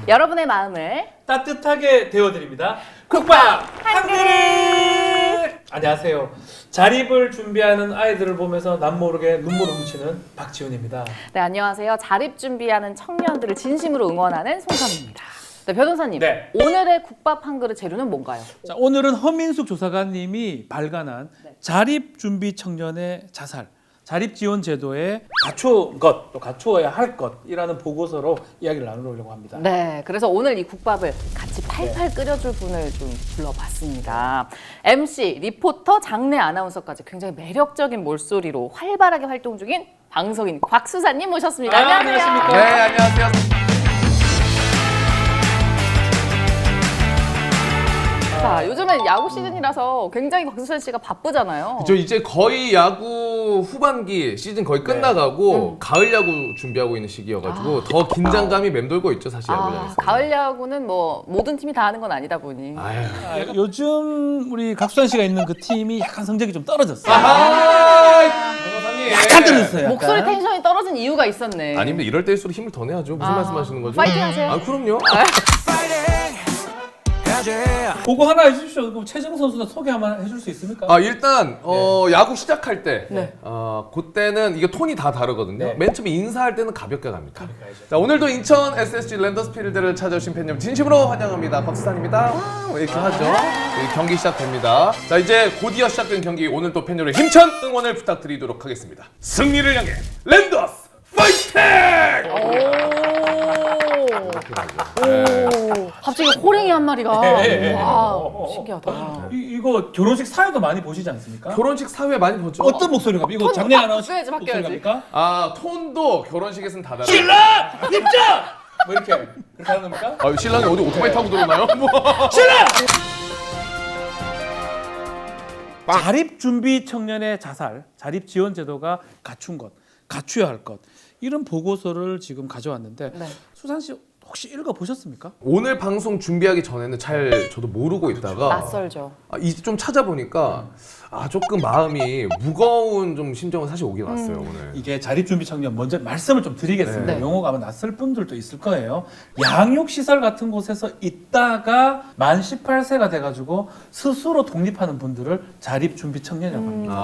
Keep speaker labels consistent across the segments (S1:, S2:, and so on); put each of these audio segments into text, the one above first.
S1: 여러분의 마음을
S2: 따뜻하게 데워드립니다. 국밥 한 그릇! 안녕하세요. 자립을 준비하는 아이들을 보면서 남모르게 눈물을 훔치는 박지훈입니다.
S1: 네, 안녕하세요. 자립 준비하는 청년들을 진심으로 응원하는 송선입니다. 네, 변호사님.
S2: 네.
S1: 오늘의 국밥 한 그릇 재료는 뭔가요?
S2: 자, 오늘은 허민숙 조사관님이 발간한 자립 준비 청년의 자살, 자립 지원 제도에 갖춘 것, 또 갖추어야 할 것이라는 보고서로 이야기를 나누려고 합니다.
S1: 네, 그래서 오늘 이 국밥을 같이 팔팔 끓여줄 분을 좀 불러봤습니다. MC, 리포터, 장내 아나운서까지 굉장히 매력적인 몰소리로 활발하게 활동 중인 방송인 곽수사님 모셨습니다. 안녕하세요.
S2: 안녕하십니까?
S3: 네, 안녕하세요.
S1: 자, 요즘엔 야구 시즌이라서 굉장히 곽수산 씨가 바쁘잖아요.
S3: 저 이제 거의 야구 후반기 시즌 거의 끝나가고 가을 야구 준비하고 있는 시기여가지고 더 긴장감이 맴돌고 있죠, 사실 야구장에서.
S1: 가을 야구는 뭐 모든 팀이 다 하는 건 아니다 보니.
S3: 아유.
S2: 요즘 우리 곽수산 씨가 있는 그 팀이 약간 성적이 좀 떨어졌어요.
S3: 변호사님.
S2: 약간 떨어졌어요. 약간.
S1: 목소리 텐션이 떨어진 이유가 있었네.
S3: 아닙니다. 이럴 때일수록 힘을 더 내야죠. 무슨 말씀하시는 거죠?
S1: 파이팅 하세요.
S3: 아, 그럼요.
S2: 보고 하나 해주십시오. 그럼 최정 선수는 소개 한번 해줄 수 있습니까?
S3: 아, 일단 야구 시작할 때
S1: 네.
S3: 그때는 이게 톤이 다 다르거든요.
S2: 네.
S3: 맨 처음에 인사할 때는 가볍게 갑니다.
S2: 가야죠.
S3: 자, 오늘도 인천 SSG 랜더스필드를 찾아주신 팬 여러분 진심으로 환영합니다. 곽수산입니다. 이렇게 하죠. 경기 시작됩니다. 자, 이제 곧이어 시작된 경기 오늘 또 팬 여러분 힘찬 응원을 부탁드리도록 하겠습니다. 승리를 향해 랜더스 파이팅!
S1: 오, 갑자기 호랭이 한 마리가.
S2: 네.
S1: 와, 신기하다.
S2: 이거 결혼식 사회도 많이 보시지 않습니까?
S3: 결혼식 사회 많이 보죠?
S2: 어떤 목소리가 이거
S1: 톤
S2: 장례 아나운서
S1: 바뀌어야지, 바뀌어야지.
S2: 목소리입니까?
S3: 아, 톤도 결혼식에서는 다 다르죠.
S2: 신랑 입장! 뭐 이렇게 그렇게 하는 겁니까?
S3: 아, 신랑이 어디 오토바이 타고 들어오나요? 뭐.
S2: 신랑! 자립 준비 청년의 자살, 자립 지원 제도가 갖춘 것, 갖추어야 할 것 이런 보고서를 지금 가져왔는데
S1: 네.
S2: 수산 씨 혹시 읽어 보셨습니까?
S3: 오늘 방송 준비하기 전에는 잘 저도 모르고 있다가
S1: 낯설죠.
S3: 이제 좀 찾아보니까 조금 마음이 무거운 좀 심정은 사실 오긴 왔어요 오늘.
S2: 이게 자립 준비 청년 먼저 말씀을 좀 드리겠습니다.
S1: 네.
S2: 용어가 아마 낯설 분들도 있을 거예요. 양육 시설 같은 곳에서 있다가 만 18세가 돼가지고 스스로 독립하는 분들을 자립 준비 청년이라고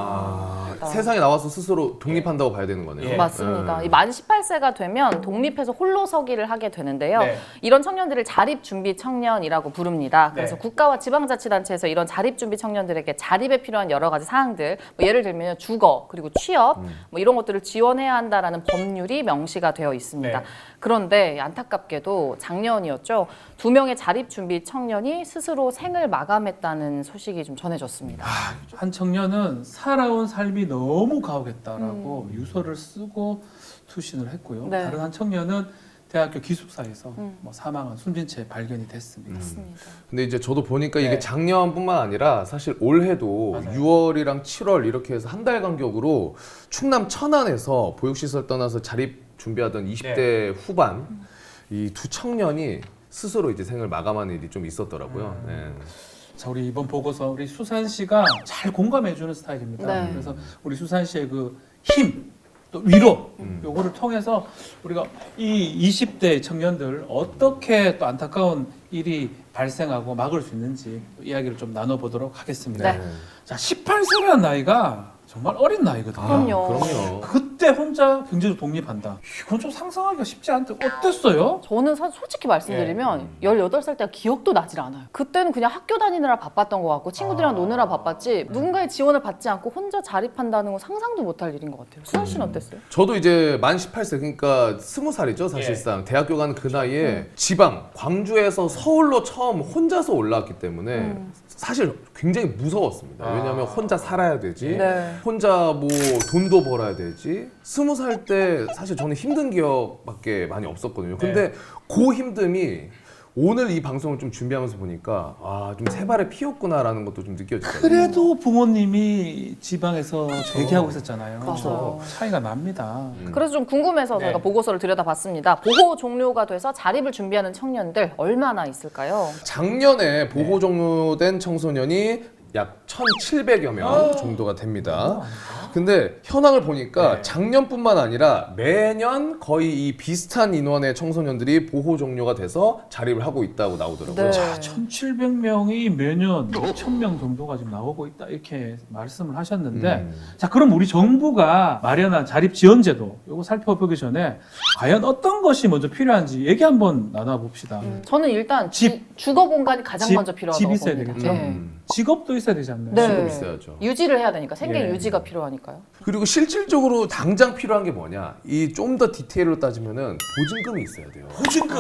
S2: 합니다.
S3: 세상에 나와서 스스로 독립한다고 봐야 되는 거네요.
S2: 예.
S1: 맞습니다. 이 만 18세가 되면 독립해서 홀로 서기를 하게 되는데요.
S2: 네.
S1: 이런 청년들을 자립 준비 청년이라고 부릅니다. 그래서
S2: 네.
S1: 국가와 지방자치단체에서 이런 자립 준비 청년들에게 자립에 필요한 여러 가지 사항들, 뭐 예를 들면 주거 그리고 취업 뭐 이런 것들을 지원해야 한다라는 법률이 명시가 되어 있습니다.
S2: 네.
S1: 그런데 안타깝게도 작년이었죠. 2명의 자립 준비 청년이 스스로 생을 마감했다는 소식이 좀 전해졌습니다.
S2: 한 청년은 살아온 삶이 너무 가혹했다라고 유서를 쓰고 투신을 했고요.
S1: 네.
S2: 다른 한 청년은 대학교 기숙사에서 뭐 사망한 숨진 채 발견이 됐습니다.
S1: 맞습니다.
S3: 근데 이제 저도 보니까
S2: 네.
S3: 이게 작년뿐만 아니라 사실 올해도
S2: 맞아요.
S3: 6월이랑 7월 이렇게 해서 한 달 간격으로 충남 천안에서 보육시설 떠나서 자립 준비하던 20대 후반 이 두 청년이 스스로 이제 생을 마감하는 일이 좀 있었더라고요. 네.
S2: 자, 우리 이번 보고서 우리 수산 씨가 잘 공감해주는 스타일입니다.
S1: 네.
S2: 그래서 우리 수산 씨의 그 힘, 또 위로, 요거를 통해서 우리가 이 20대 청년들 어떻게 또 안타까운 일이 발생하고 막을 수 있는지 이야기를 좀 나눠보도록 하겠습니다.
S1: 네.
S2: 자, 18세라는 나이가 정말 어린 나이거든요.
S1: 그럼요.
S3: 그럼요.
S2: 그때 혼자 경제적 독립한다. 이건 좀 상상하기가 쉽지 않대. 어땠어요?
S1: 저는 솔직히 말씀드리면 18살 때가 기억도 나질 않아요. 그때는 그냥 학교 다니느라 바빴던 것 같고 친구들이랑 노느라 바빴지 누군가의 지원을 받지 않고 혼자 자립한다는 건 상상도 못할 일인 것 같아요. 수현 씨는 어땠어요?
S3: 저도 이제 만 18세 그러니까 20살이죠 사실상. 대학교 가는 그 나이에 지방 광주에서 서울로 처음 혼자서 올라왔기 때문에 사실 굉장히 무서웠습니다. 왜냐하면 혼자 살아야 되지,
S1: 네.
S3: 혼자 뭐 돈도 벌어야 되지. 20살 때 사실 저는 힘든 기억밖에 많이 없었거든요. 근데 그 힘듦이 오늘 이 방송을 좀 준비하면서 보니까 좀 새 발에 피었구나라는 것도 좀 느껴지더라고요.
S2: 그래도 부모님이 지방에서 대기하고 있었잖아요.
S1: 맞아요.
S2: 차이가 납니다.
S1: 그래서 좀 궁금해서
S2: 네.
S1: 저희가 보고서를 들여다봤습니다. 보호 종료가 돼서 자립을 준비하는 청년들 얼마나 있을까요?
S3: 작년에 보호 종료된 청소년이 약 1,700여 명 정도가 됩니다. 근데 현황을 보니까
S2: 네.
S3: 작년뿐만 아니라 매년 거의 이 비슷한 인원의 청소년들이 보호 종료가 돼서 자립을 하고 있다고 나오더라고요.
S1: 네.
S2: 자, 1,700명이 매년 2,000명 정도가 지금 나오고 있다 이렇게 말씀을 하셨는데 자 그럼 우리 정부가 마련한 자립지원제도 이거 살펴보기 전에 과연 어떤 것이 먼저 필요한지 얘기 한번 나눠봅시다.
S1: 저는 일단
S2: 집.
S1: 주거 공간이 가장 먼저 필요하다고
S2: 집 있어야
S1: 봅니다.
S2: 되겠죠.
S1: 네.
S2: 직업도 있어야 되지 않나요?
S1: 네.
S3: 지금 있어야죠.
S1: 유지를 해야 되니까 생계
S2: 예.
S1: 유지가 필요하니까요.
S3: 그리고 실질적으로 당장 필요한 게 뭐냐? 이 좀 더 디테일로 따지면은 보증금이 있어야 돼요.
S2: 보증금.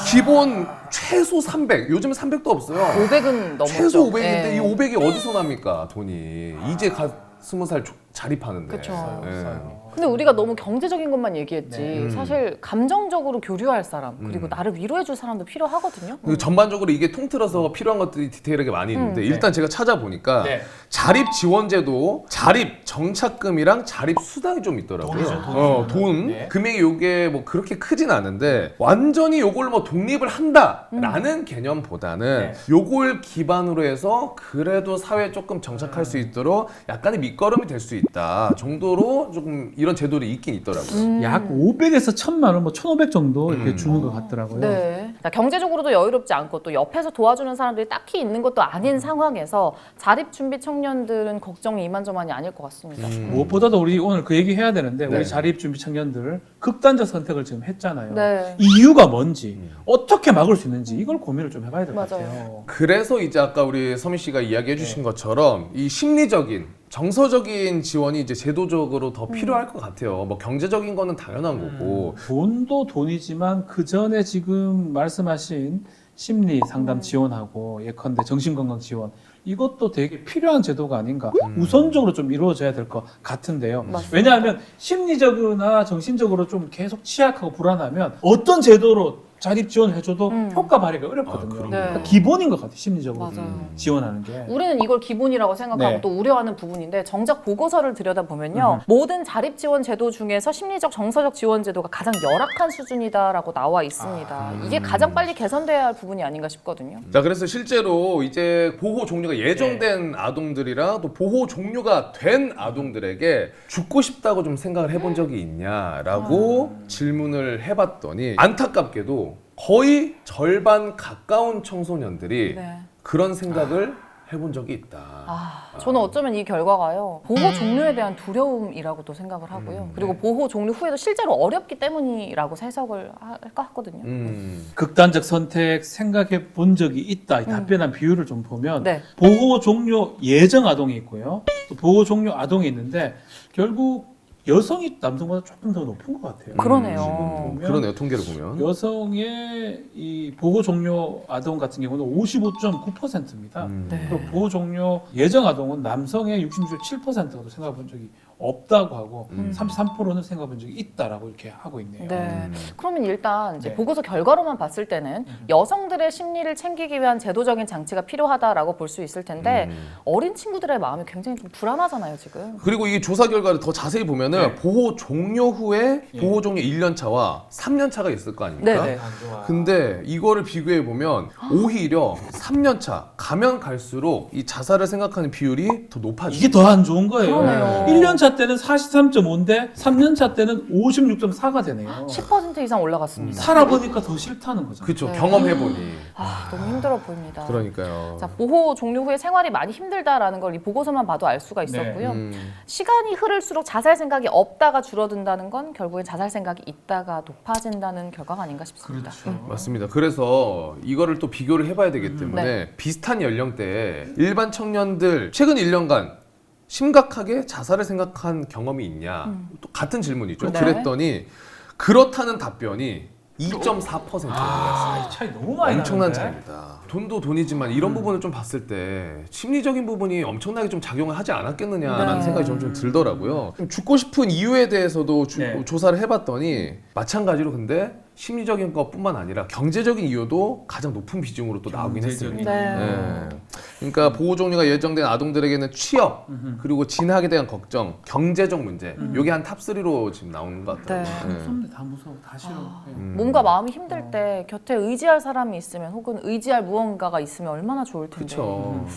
S3: 기본 최소 300. 요즘 300도 없어요.
S1: 500은 넘었죠.
S3: 최소 500인데
S1: 예.
S3: 이 500이 어디서 납니까? 돈이. 이제 20살 자립하는데.
S1: 그쵸.
S3: 예.
S1: 근데 우리가 너무 경제적인 것만 얘기했지
S2: 네.
S1: 사실 감정적으로 교류할 사람 그리고 나를 위로해줄 사람도 필요하거든요.
S3: 그리고 전반적으로 이게 통틀어서 필요한 것들이 디테일하게 많이 있는데 일단 제가 찾아보니까
S2: 네.
S3: 자립 지원제도 자립 정착금이랑 자립 수당이 좀 있더라고요.
S2: 돈이죠,
S3: 돈
S2: 네.
S3: 금액이 요게 뭐 그렇게 크진 않은데 완전히 요걸 뭐 독립을 한다라는 개념보다는
S2: 네.
S3: 요걸 기반으로 해서 그래도 사회에 조금 정착할 수 있도록 약간의 밑거름이 될 수 있다 정도로 조금 이런 제도들이 있긴 있더라고요.
S2: 약 500에서 1,000만 원, 뭐 1,500 정도 이렇게 주는 것 같더라고요.
S1: 네. 자, 경제적으로도 여유롭지 않고 또 옆에서 도와주는 사람들이 딱히 있는 것도 아닌 상황에서 자립 준비 청년들은 걱정이 이만저만이 아닐 것 같습니다.
S2: 무엇보다도 우리 오늘 그 얘기 해야 되는데
S3: 네.
S2: 우리 자립 준비 청년들 극단적 선택을 지금 했잖아요.
S1: 네.
S2: 이 이유가 뭔지 어떻게 막을 수 있는지 이걸 고민을 좀 해봐야 될 것
S1: 맞아요.
S2: 같아요.
S3: 그래서 이제 아까 우리 서민 씨가 이야기해 주신 것처럼 이 심리적인 정서적인 지원이 이제 제도적으로 더 필요할 것 같아요. 뭐 경제적인 거는 당연한 거고.
S2: 돈도 돈이지만 그 전에 지금 말씀하신 심리 상담 지원하고 예컨대 정신건강 지원 이것도 되게 필요한 제도가 아닌가 우선적으로 좀 이루어져야 될 것 같은데요.
S1: 맞습니다.
S2: 왜냐하면 심리적이나 정신적으로 좀 계속 취약하고 불안하면 어떤 제도로 자립 지원해줘도 효과 발휘가 어렵거든요.
S3: 그럼요.
S1: 네.
S2: 그러니까 기본인 것 같아요. 심리적으로
S1: 맞아요.
S2: 지원하는 게.
S1: 우리는 이걸 기본이라고 생각하고
S2: 네.
S1: 또 우려하는 부분인데 정작 보고서를 들여다보면요. 모든 자립 지원 제도 중에서 심리적 정서적 지원 제도가 가장 열악한 수준이다라고 나와 있습니다. 이게 가장 빨리 개선돼야 할 부분이 아닌가 싶거든요.
S3: 자, 그래서 실제로 이제 보호 종료가 예정된 아동들이랑 또 보호 종료가 된 아동들에게 죽고 싶다고 좀 생각을 해본 적이 있냐라고 질문을 해봤더니 안타깝게도 거의 절반 가까운 청소년들이
S1: 네.
S3: 그런 생각을 해본 적이 있다.
S1: 저는 어쩌면 이 결과가요. 보호 종료에 대한 두려움이라고도 생각을 하고요. 그리고 보호 종료 후에도 실제로 어렵기 때문이라고 해석을 할까 하거든요.
S2: 극단적 선택 생각해 본 적이 있다. 이 답변한 비율을 좀 보면
S1: 네.
S2: 보호 종료 예정 아동이 있고요. 또 보호 종료 아동이 있는데 결국 여성이 남성보다 조금 더 높은 것 같아요.
S1: 그러네요.
S2: 보면
S3: 그러네요, 통계를 보면.
S2: 여성의 이 보호 종료 아동 같은 경우는 55.9%입니다.
S1: 네.
S2: 그리고 보호 종료 예정 아동은 남성의 66.7%도 생각해 본 적이 없다고 하고 33%는 생각해 본 적이 있다라고 이렇게 하고 있네요.
S1: 네. 그러면 일단 이제
S2: 네.
S1: 보고서 결과로만 봤을 때는 여성들의 심리를 챙기기 위한 제도적인 장치가 필요하다라고 볼 수 있을 텐데 어린 친구들의 마음이 굉장히 좀 불안하잖아요, 지금.
S3: 그리고 이 조사 결과를 더 자세히 보면은
S2: 네.
S3: 보호 종료 후에
S2: 예.
S3: 보호 종료 1년 차와 3년 차가 있을 거 아닙니까?
S1: 네, 네.
S2: 안 좋아.
S3: 근데 이거를 비교해 보면 오히려 3년 차 가면 갈수록 이 자살을 생각하는 비율이 더 높아지죠.
S2: 이게 더 안 좋은 거예요.
S1: 그러네요.
S2: 1년 차 때는 43.5인데 3년 차 때는 56.4가 되네요.
S1: 10% 이상 올라갔습니다.
S2: 살아보니까 더 싫다는 거죠.
S3: 그렇죠.
S1: 네.
S3: 경험해 보니.
S1: 너무 힘들어 보입니다.
S3: 그러니까요.
S1: 자, 보호 종료 후에 생활이 많이 힘들다라는 걸 이 보고서만 봐도 알 수가 있었고요. 시간이 흐를수록 자살 생각이 없다가 줄어든다는 건 결국엔 자살 생각이 있다가 높아진다는 결과가 아닌가 싶습니다.
S2: 그렇죠.
S3: 맞습니다. 그래서 이거를 또 비교를 해봐야 되기 때문에
S1: 네.
S3: 비슷한 연령대에 일반 청년들 최근 1년간 심각하게 자살을 생각한 경험이 있냐? 또 같은 질문이죠.
S1: 네.
S3: 그랬더니 그렇다는 답변이 2.4%였어요.
S2: 이 차이 너무 많이
S3: 엄청난
S2: 나는데?
S3: 차이입니다. 돈도 돈이지만 이런 부분을 좀 봤을 때 심리적인 부분이 엄청나게 좀 작용을 하지 않았겠느냐라는
S1: 네.
S3: 생각이 좀 들더라고요. 좀 죽고 싶은 이유에 대해서도
S2: 네.
S3: 조사를 해봤더니 마찬가지로 근데 심리적인 것뿐만 아니라 경제적인 이유도 가장 높은 비중으로 또 나오긴
S2: 경제적인
S3: 했습니다.
S1: 네.
S3: 네. 그러니까 보호 종료가 예정된 아동들에게는 취업 그리고 진학에 대한 걱정, 경제적 문제 이게 한 탑3로 지금 나오는 것 같아요.
S1: 네.
S3: 네.
S2: 무섭네, 다 무서워, 다 싫어. 네.
S1: 몸과 마음이 힘들 때 곁에 의지할 사람이 있으면 혹은 의지할 무언가가 있으면 얼마나 좋을 텐데.
S3: 그렇죠.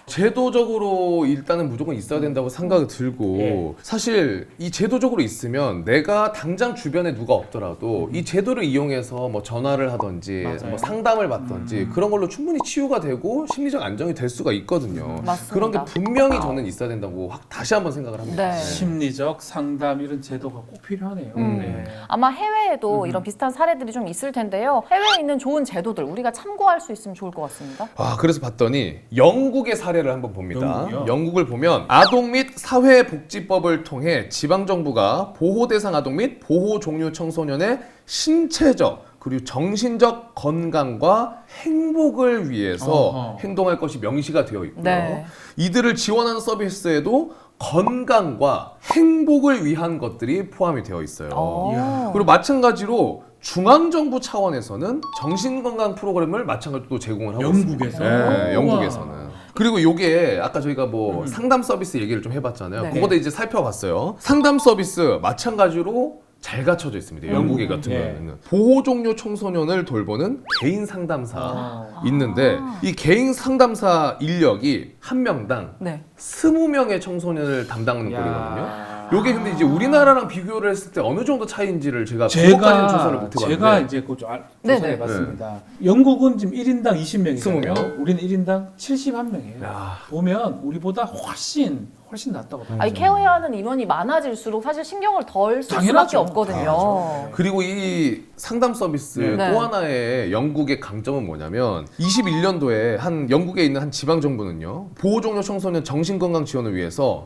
S3: 제도적으로 일단은 무조건 있어야 된다고 생각이 들고
S2: 예.
S3: 사실 이 제도적으로 있으면 내가 당장 주변에 누가 없더라도 이 제도를 이용해서 뭐 전화를 하든지
S2: 맞아요.
S3: 뭐 상담을 받든지 그런 걸로 충분히 치유가 되고 심리적 안정이 될 수가 있거든요.
S1: 맞습니다.
S3: 그런 게 분명히 저는 있어야 된다고 다시 한번 생각을 합니다.
S1: 네.
S2: 심리적 상담 이런 제도가 꼭 필요하네요. 네.
S1: 아마 해외에도 이런 비슷한 사례들이 좀 있을 텐데요. 해외에 있는 좋은 제도들 우리가 참고할 수 있으면 좋을 것 같습니다.
S3: 아, 그래서 봤더니 영국의 사례를 한번 봅니다.
S2: 영국이요?
S3: 영국을 보면 아동 및 사회복지법을 통해 지방정부가 보호대상 아동 및 보호종류 청소년의 신체적 그리고 정신적 건강과 행복을 위해서
S2: 어허.
S3: 행동할 것이 명시가 되어 있고요.
S1: 네.
S3: 이들을 지원하는 서비스에도 건강과 행복을 위한 것들이 포함이 되어 있어요.
S1: 어.
S3: 그리고 마찬가지로 중앙정부 차원에서는 정신건강 프로그램을 마찬가지로 제공을 하고
S2: 영국에서?
S3: 있습니다. 네, 영국에서는.
S2: 우와.
S3: 그리고 요게 아까 저희가 뭐 상담 서비스 얘기를 좀 해봤잖아요.
S1: 네.
S3: 그거도 이제 살펴봤어요. 상담 서비스 마찬가지로 잘 갖춰져 있습니다. 영국에 같은
S2: 예.
S3: 경우에는 보호 종료 청소년을 돌보는 개인 상담사
S2: 아.
S3: 있는데 이 개인 상담사 인력이 한 명당
S1: 네.
S3: 20명의 청소년을 담당하는
S2: 야.
S3: 꼴이거든요. 요게 근데 이제 우리나라랑 비교를 했을 때 어느 정도 차이인지를 제가 그것까지는 조사를 못 해봤는데
S2: 제가 이제 그
S1: 네네.
S2: 조사해봤습니다. 영국은 지금 1인당 20명이잖아요.
S3: 20명.
S2: 우리는 1인당 71명이에요.
S3: 야.
S2: 보면 우리보다 훨씬 낫다고 봐요.
S1: 아니 케어해야 하는 인원이 많아질수록 사실 신경을 덜 쓸 수밖에
S2: 당연하죠.
S1: 없거든요.
S3: 그리고 이 상담 서비스
S1: 네.
S3: 또 하나의 영국의 강점은 뭐냐면 21년도에 한 영국에 있는 한 지방 정부는요 보호종료 청소년 정신건강 지원을 위해서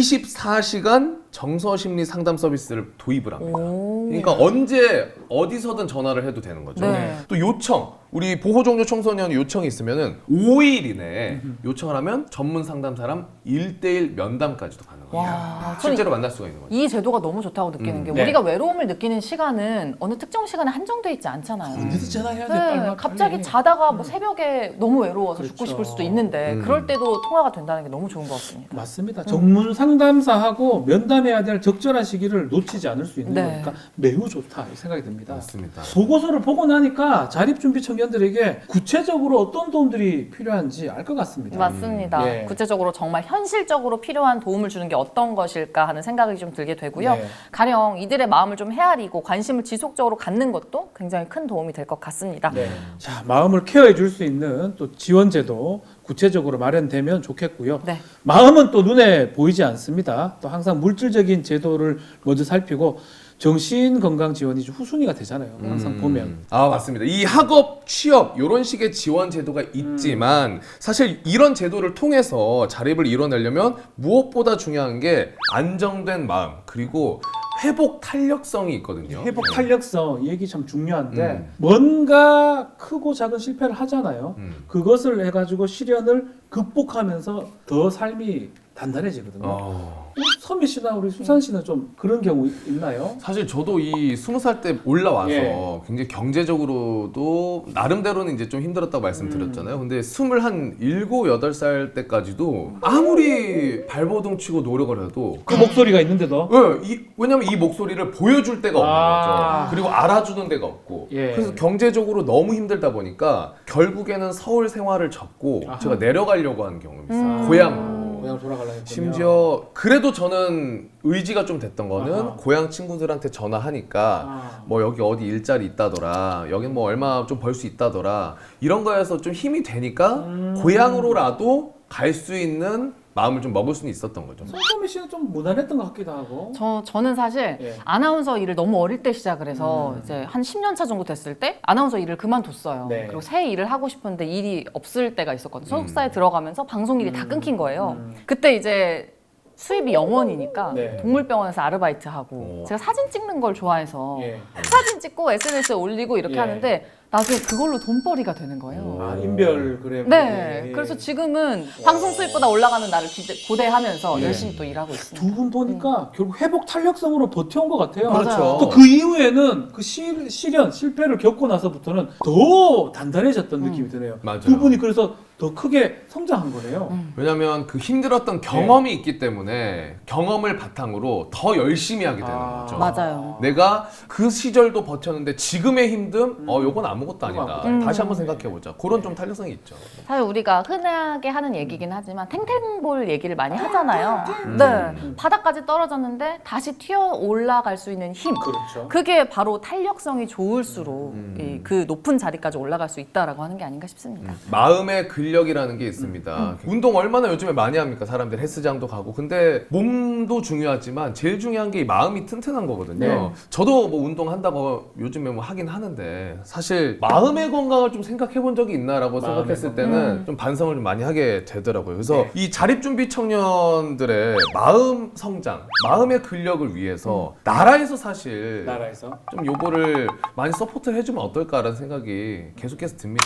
S3: 24시간 정서심리 상담 서비스를 도입을 합니다.
S1: 오.
S3: 그러니까 언제 어디서든 전화를 해도 되는 거죠.
S1: 네.
S3: 또 요청 우리 보호종료 청소년 요청이 있으면은 5일 이내에 요청을 하면 전문 상담사람 1대1 면담까지도 가능합니다.
S1: 와,
S3: 실제로 만날 수가 있는 거죠.
S1: 이 제도가 너무 좋다고 느끼는 게
S2: 네.
S1: 우리가 외로움을 느끼는 시간은 어느 특정 시간에 한정돼 있지 않잖아요.
S2: 언제든 전화해야 돼.
S1: 네,
S2: 빨리.
S1: 갑자기 자다가 뭐 새벽에 너무 외로워서 죽고
S2: 그렇죠.
S1: 싶을 수도 있는데 그럴 때도 통화가 된다는 게 너무 좋은 것 같습니다.
S2: 맞습니다. 전문 상담사하고 면담해야 될 적절한 시기를 놓치지 않을 수 있는
S1: 네.
S2: 거니까 매우 좋다 이 생각이 듭니다.
S3: 맞습니다.
S2: 보고서를 보고 나니까 자립준비 청년들에게 구체적으로 어떤 도움들이 필요한지 알 것 같습니다.
S1: 맞습니다.
S2: 예.
S1: 구체적으로 정말 현실적으로 필요한 도움을 주는 게 어떤 것일까 하는 생각이 좀 들게 되고요.
S2: 네.
S1: 가령 이들의 마음을 좀 헤아리고 관심을 지속적으로 갖는 것도 굉장히 큰 도움이 될 것 같습니다.
S2: 네. 자, 마음을 케어해 줄 수 있는 또 지원제도 구체적으로 마련되면 좋겠고요.
S1: 네.
S2: 마음은 또 눈에 보이지 않습니다. 또 항상 물질적인 제도를 먼저 살피고 정신 건강 지원이 좀 후순위가 되잖아요. 항상 보면.
S3: 아, 맞습니다. 이 학업, 취업 이런 식의 지원 제도가 있지만 사실 이런 제도를 통해서 자립을 이뤄내려면 무엇보다 중요한 게 안정된 마음 그리고 회복 탄력성이 있거든요.
S2: 회복 탄력성 이 얘기 참 중요한데 뭔가 크고 작은 실패를 하잖아요. 그것을 해가지고 시련을 극복하면서 더 삶이 단단해지거든요. 선미 씨나 우리 수산 씨는 좀 그런 경우 있나요?
S3: 사실 저도 이 20살 때 올라와서
S2: 예.
S3: 굉장히 경제적으로도 나름대로는 이제 좀 힘들었다고 말씀드렸잖아요. 근데 27, 8살 때까지도 아무리 발버둥 치고 노력을 해도
S2: 그 목소리가 있는데도
S3: 왜냐면 이 목소리를 보여줄 데가 없는
S2: 아.
S3: 거죠. 그리고 알아주는 데가 없고.
S2: 예.
S3: 그래서 경제적으로 너무 힘들다 보니까 결국에는 서울 생활을 접고
S2: 아하.
S3: 제가 내려가려고 하는 경험이 있어요. 고향으로.
S2: 고향 돌아가려고 했군요.
S3: 심지어 그래도 저는 의지가 좀 됐던 거는
S2: 아하.
S3: 고향 친구들한테 전화하니까
S2: 아.
S3: 뭐 여기 어디 일자리 있다더라 여긴 뭐 얼마 좀 벌 수 있다더라 이런 거에서 좀 힘이 되니까 고향으로라도 갈 수 있는 마음을 좀 먹을 수는 있었던 거죠.
S2: 손소미 씨는 좀 무난했던 것 같기도 하고.
S1: 저는 사실
S2: 예.
S1: 아나운서 일을 너무 어릴 때 시작을 해서 이제 한 10년 차 정도 됐을 때 아나운서 일을 그만뒀어요.
S2: 네.
S1: 그리고 새 일을 하고 싶은데 일이 없을 때가 있었거든요. 소속사에 들어가면서 방송 일이 다 끊긴 거예요. 그때 이제 수입이 0원이니까
S2: 네.
S1: 동물병원에서 아르바이트하고
S3: 오.
S1: 제가 사진 찍는 걸 좋아해서
S2: 예.
S1: 사진 찍고 SNS에 올리고 이렇게
S2: 예.
S1: 하는데 나중에 그걸로 돈벌이가 되는 거예요.
S2: 아, 인별 그래.
S1: 네,
S2: 예.
S1: 그래서 지금은 방송 수입보다 올라가는 나를 고대하면서
S2: 예.
S1: 열심히 또 일하고 있습니다.
S2: 두 분 보니까 결국 회복 탄력성으로 버텨온 것 같아요.
S3: 그렇죠.
S2: 또 그 이후에는 그 시련, 실패를 겪고 나서부터는 더 단단해졌던 느낌이 드네요.
S3: 맞아요.
S2: 두 분이 그래서 더 크게 성장한 거네요.
S3: 왜냐면 그 힘들었던 경험이 있기 때문에 경험을 바탕으로 더 열심히 하게 되는 거죠.
S1: 맞아요.
S3: 내가 그 시절도 버텼는데 지금의 힘듦, 요건 안 아무것도 아니다.
S2: 아무것도
S3: 다시 한번 생각해보자. 그런 좀 탄력성이 있죠.
S1: 사실 우리가 흔하게 하는 얘기긴 하지만 탱탱볼 얘기를 많이 하잖아요. 네, 바닥까지 떨어졌는데 다시 튀어 올라갈 수 있는 힘.
S2: 그렇죠.
S1: 그게 바로 탄력성이 좋을수록 그 높은 자리까지 올라갈 수 있다라고 하는 게 아닌가 싶습니다.
S3: 마음의 근력이라는 게 있습니다. 운동 얼마나 요즘에 많이 합니까? 사람들 헬스장도 가고. 근데 몸도 중요하지만 제일 중요한 게 이 마음이 튼튼한 거거든요.
S2: 네.
S3: 저도 뭐 운동한다고 요즘에 뭐 하긴 하는데 사실 마음의 건강을 좀 생각해 본 적이 있나라고
S2: 마음의
S3: 생각했을
S2: 건강.
S3: 때는 좀 반성을 좀 많이 하게 되더라고요. 그래서
S2: 네.
S3: 이 자립준비 청년들의 마음 성장, 마음의 근력을 위해서 나라에서 사실
S2: 나라에서
S3: 좀 요거를 많이 서포트를 해주면 어떨까라는 생각이 계속해서 듭니다.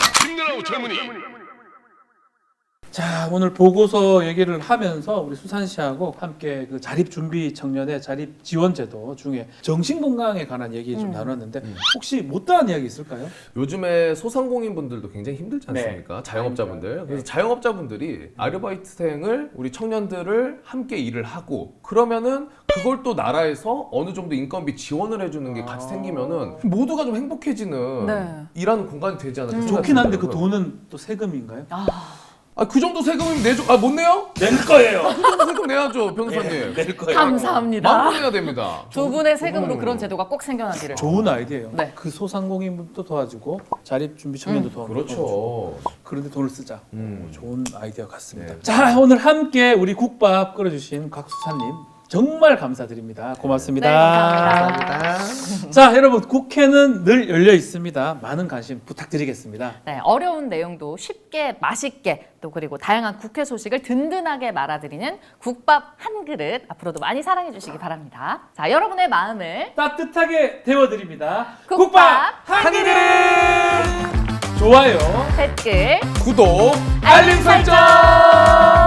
S2: 자, 오늘 보고서 얘기를 하면서 우리 수산 씨하고 함께 그 자립 준비 청년의 자립 지원 제도 중에 정신 건강에 관한 얘기 좀 나눴는데 혹시 못다한 이야기 있을까요?
S3: 요즘에 소상공인 분들도 굉장히 힘들지 않습니까?
S2: 네.
S3: 자영업자분들. 그래서
S2: 네.
S3: 자영업자분들이 아르바이트생을 우리 청년들을 함께 일을 하고 그러면은 그걸 또 나라에서 어느 정도 인건비 지원을 해주는 게 같이 생기면은 모두가 좀 행복해지는
S1: 네.
S3: 일하는 공간이 되지 않을까 생각이
S2: 좋긴 한데 그
S3: 들더라고요.
S2: 돈은 또 세금인가요?
S3: 그 정도 세금이면 내줘. 못 내요?
S2: 낼 거예요.
S3: 그 정도 세금 내야죠, 변호사님.
S2: 낼 거예요.
S1: 감사합니다.
S3: 만원 내야 됩니다.
S1: 두 분의 세금으로 그런 제도가 꼭 생겨나기를.
S2: 좋은 아이디어예요.
S1: 네.
S2: 그 소상공인분도 도와주고 자립 준비 청년도 도와주고.
S3: 그렇죠.
S2: 그런데 돈을 쓰자.
S3: 음.
S2: 좋은 아이디어 같습니다.
S3: 네.
S2: 자, 오늘 함께 우리 국밥 끓여주신 곽수사님 정말 감사드립니다. 고맙습니다.
S1: 네, 감사합니다.
S2: 자, 여러분 국회는 늘 열려 있습니다. 많은 관심 부탁드리겠습니다.
S1: 네, 어려운 내용도 쉽게 맛있게 또 그리고 다양한 국회 소식을 든든하게 말아드리는 국밥 한 그릇 앞으로도 많이 사랑해 주시기 바랍니다. 자, 여러분의 마음을
S2: 따뜻하게 데워드립니다.
S1: 국밥
S2: 한 그릇! 좋아요.
S1: 댓글
S3: 구독,
S1: 알림 설정!